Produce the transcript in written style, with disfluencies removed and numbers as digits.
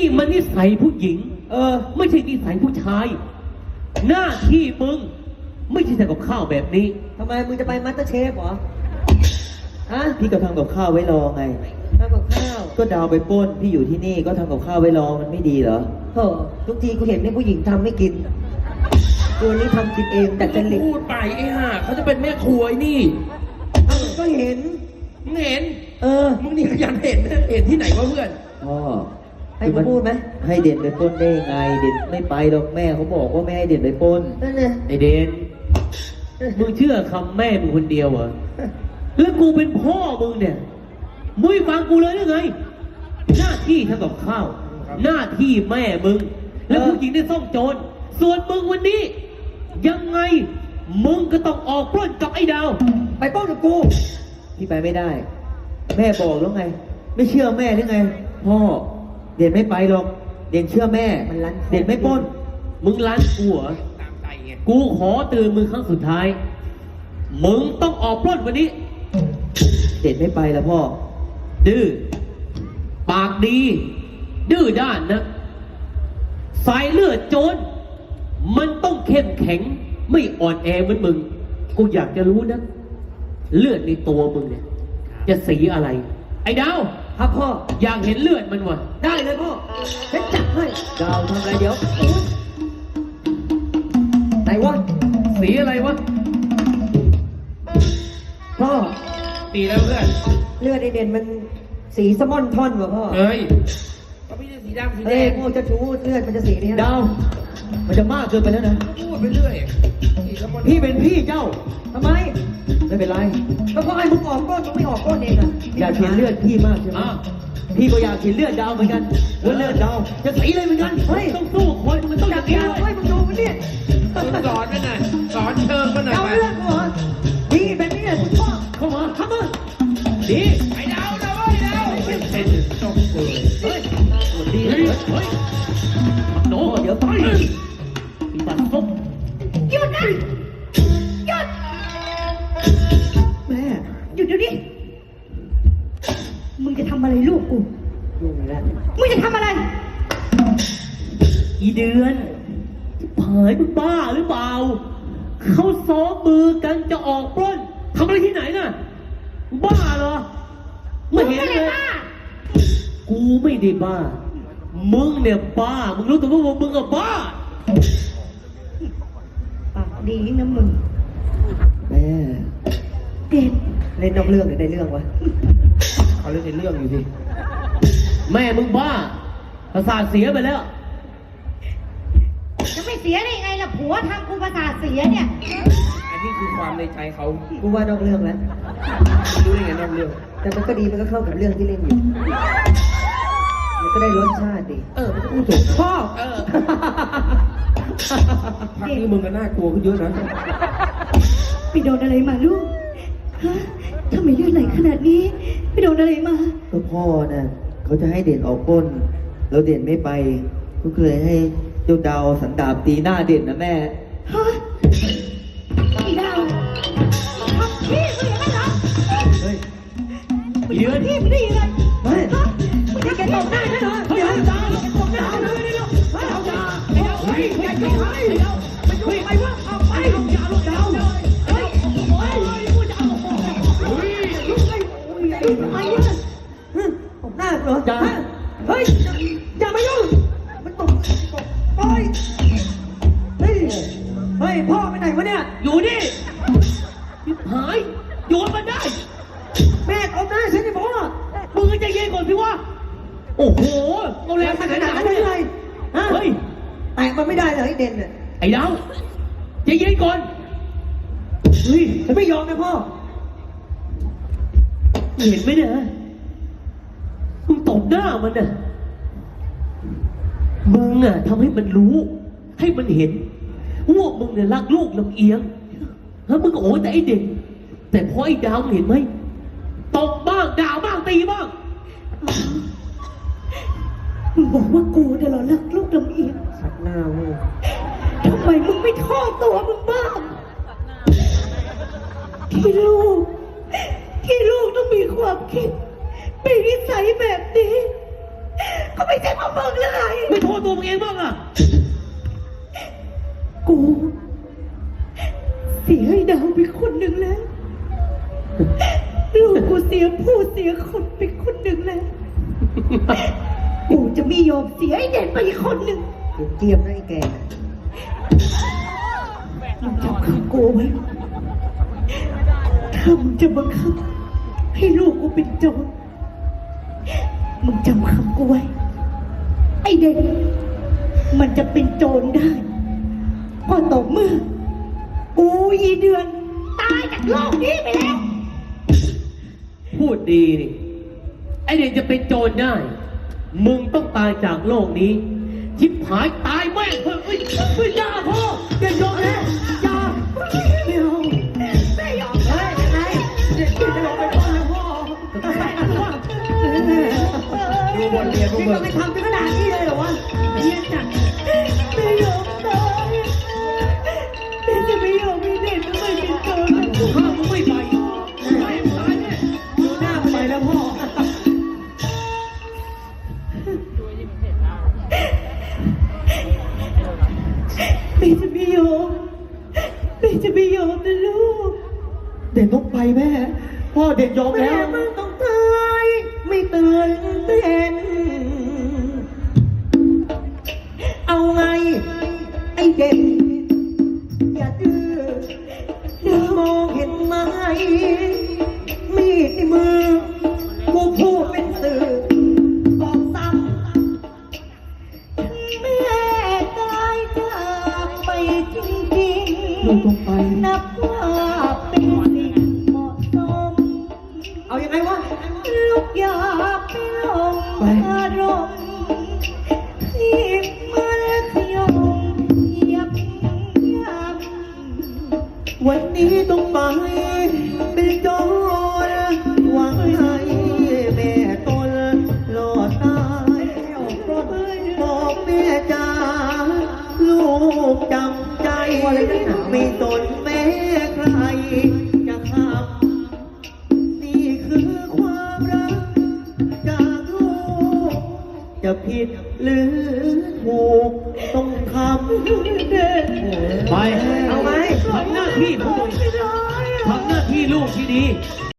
นี่มันนิสัยผู้หญิงไม่ใช่นิสัยผู้ชายหน้าที่มึงไม่ใช่ทำกับข้าวแบบนี้ทำไมมึงจะไปมัตเตอร์เชฟเหรอฮะพี่ก็ทำกับข้าวไว้รอไงทำกับข้าวก็ดาวไปปล้นพี่อยู่ที่นี่ก็ทำกับข้าวไว้รอมันไม่ดีเหรอโอ้ทุกทีกูเห็นเนี่ยผู้หญิงทำไม่กินตัวนี้ทำกินเองแต่จะหลิบพูดไปไอ้ห่าเขาจะเป็นแม่ครัวไอ้นี่ก็เห็นมึงเห็นมึงนี่ขยันเห็นที่ไหนวะเพื่อนพ่อให้กูพูดไหมให้เด่นไปปล้นได้ไงเด่นไม่ไปหรอกแม่เขาบอกว่าไม่ให้เด่นไปปล้นนั่นเลยไอเด่นมึงเชื่อคำแม่มึงคนเดียวเหรอแล้วกูเป็นพ่อมึงเนี่ยมึงไม่ฟังกูเลยหรือไงหน้าที่ทำกับข้าวหน้าที่แม่มึงแล้วผู้หญิงได้ซ่องโจรส่วนมึงวันนี้ยังไงมึงก็ต้องออกปล้นกับไอ้ดาวไปปล้นกับกูพี่ไปไม่ได้แม่บอกแล้วไงไม่เชื่อแม่หรือไงพ่อเด่นไม่ไปหรอกเด่นเชื่อแม่เด่นไม่ปล้นมึงล้านกูเหรอกูขอเตือนมึงครั้งสุดท้ายมึงต้องออกปล้นวันนี้เด่นไม่ไปแล้วพ่อดื้อปากดีดื้อด้านนะสายเลือดโจรมันต้องเข้มแข็งไม่อ่อนแอเหมือนมึงกูอยากจะรู้นะเลือดในตัวมึงเนี่ยจะสีอะไรไอ้ดาวครับพ่ออยากเห็นเลือดมันวะได้เลยพ่อฉันจัดให้ดาวทำอะไรเดี๋ยวไหนวะสีอะไรวะพ่อตีแล้วเพื่อนเลือดไอเด่นมันสีสมอนทอนวะพ่อเฮ้ยก็พี่จะสีดำสีแดงโง่จะชูเลือดมันจะสีนี้ดาวมันจะมากเกินไปแล้วนะพูดไปเรื่อยพี่เป็นพี่เจ้าทำไมไม่เป็นไรก็เพราะไอ้มึงออกก้นมึงไม่ออกก้นเองอะอยากเห็นเลือดพี่มากใช่ไหมพี่ก็อยากเห็นเลือดดาวเหมือนกันว่าเลือดดาวจะสีเลยเหมือนกันเฮ้ยต้องสู้คนมันต้องอย่างนี้เฮ้ยมึงดูมันเนี่ยสอนมันหน่อยสอนเชิงมันหน่อยเอาเลือดกูเหรอพี่เป็นนี่คุณพ่อเข้ามาทำมาดีไอ้ดาวนะเว้ยดาวเป็นจงเลยเฮ้ยดีเฮ้ยโน้เดี๋ยวไปปีศาจส้มหยุดนะหยุดแม่หยุดเดี๋ยวนี้มึงจะทำอะไรลูกกูมึงจะทำอะไรอีเดือนเผยมึงบ้าหรือเปล่าเขาซ้อมมือกันจะออกปล้นทำอะไรที่ไหนน่ะบ้าเหรอไม่เห็นเลยกูไม่ได้บ้ามึงเนี่ยบ้ามึงรู้ตัวว่ามึงอะบ้าปากดีนะมึงแม่เด็ดเล่นนอกเรื่องหรือในเรื่องวะเขาเล่นในเรื่องอยู่สิแม่มึงบ้าประสาทเสียไปแล้วจะไม่เสียได้ยังไงล่ะผัวทำกูประสาทเสียเนี่ยอันนี้คือความในใจเขากูว่านอกเรื่องแล้วรู้ได้ไงนอกเรื่องแต่มันก็ดีมันก็เข้ากับเรื่องที่เล่นอยู่มันก็ได้รสชาติดีมันพูดถูกพ่อพักนี้มึงก็น่ากลัวขึ้นเยอะนะไปโดนอะไรมาลูกฮะทำไมเลือดไหลขนาดนี้ไปโดนอะไรมาก็พ่อน่ะเขาจะให้เด่นออกปล้นแล้วเด่นไม่ไปก็เลยให้เจ้าดาวสันดาบตีหน้าเด่นนะแม่ฮะไอ้ดาวทำพี่มึงอย่างนั้นเหรอเฮ้ยเดือนพี่มึงได้ยังไงเฮ้ยมึงจะแกตบหน้าใช่ไหมเฮ้ยดาวตบหน้าเลยเดี๋ยวเฮ้ยดาวเฮ้ยอย่ายุ่งเฮ้ยดาวมันยุ่งไปวะเอาไปอย่าลูกดาวเฮ้ยโอ้ยกูจะเอาเฮ้ยยุ่งไปทำไมวะตบหน้าเหรอเฮ้ยอย่ามายุ่งมันตบโอ้ยเฮ้ยพ่อไปไหนวะเนี่ยอยู่นี่หายโยนมันได้แม่ตบหน้าฉันจะบอกว่ามึงจะเย็นก่อนสิวะโอ้โหเอาแรงขนาดนั้นเลยเฮ้ยแต่มันไม่ได้เลยไอ้เด่นเนี่ยไอ้ดาวจะเย็นก่อนเฮ้ยฉันไม่ยอมนะพ่อเห็นไหมเนี่ยมึงตบหน้ามันน่ะมึงอ่ะทำให้มันรู้ให้มันเห็นว่ามึงเนี่ยรักลูกลำเอียงแล้วมึงโอ้ยแต่ไอ้เด็กแต่พอไอ้ดาวเห็นไหมตบบ้างด่าบ้างตีบ้างมึงบอกว่ากูเนี่ยเหรอรักลูกลำเอียงสักหน้าเว้ยทำไมมึงไม่ทอดตัวมึงบ้างที่ลูกต้องมีความคิดมีนิสัยแบบนี้ก็ไม่ใช่เพราะมึงเลยตัวมึงเองบ้างล่ะกูเสียไอ้ดาวไปคนหนึ่งแล้ว ลูกกูเสียผู้เสียคนไปคนหนึ่งแล้ว กูจะไม่ยอมเสียไอ้เด่นไปอีกคนหนึ่งเตรียมนะไอ้แกมึงจำคำกูไว้ถ้ามึงจะบังคับให้ลูกกูเป็นโจรมึงจำคำกูไว้ ไอ้เด็กมันจะเป็นโจรได้ก็ต่อเมื่อกูอีเดือนตายจากโลกนี้ไปแล้วพูดดีนี่ไอเด็กจะเป็นโจรได้ มึงต้องตายจากโลกนี้ ชิบหายตายแม่งเถอะเฮ้ยอย่าพ่ออย่ายอมนะอย่าไม่เอาไม่ยอมเฮ้ยยังไงเด็กจะลงไปพ่อแล้วพ่อดูบทเรียนพวกนี่มึมันงไม่ทำถึงขนาดนี้เลยเหรอวะเยี่ยจังไม่ยอมตายแม่จะไม่ยอมให้เด็กต้องไปเป็นโจรถ้ามึงไม่ไปตายตายแน่ดูหน้าไปแล้วพ่อแม่จะไม่ยอมแม่จะไม่ยอมนะลูกเด่นต้องไปแม่ พ่อเด่นยอมแม่แล้วมึงต้องตายไม่ตื่นเต้นเอาไง ไอ้เด็กอย่าดื้อดื้อมองเห็นไหมมีดในมือ กูพูดเป็นสื่อบอกซ้ำแม่ตายจากไปจริงๆลูกต้องไปนับว่าเป็นสิ่งเหมาะสม เอายังไงวะ ลูกอยากไปลงอารมณ์ที่มันขยมเหยียบย่ำวันนี้ต้องไปเป็นโจรหวังให้แม่ตนรอดตายบอกแม่จ๋าลูกจำใจไม่ตนแม่ใครจะทำนี่คือความรักจากลูกจะผิดหรือถูกต้องทำไปเอาไหมทำหน้าที่ของมึงทำหน้าที่ลูกที่ดี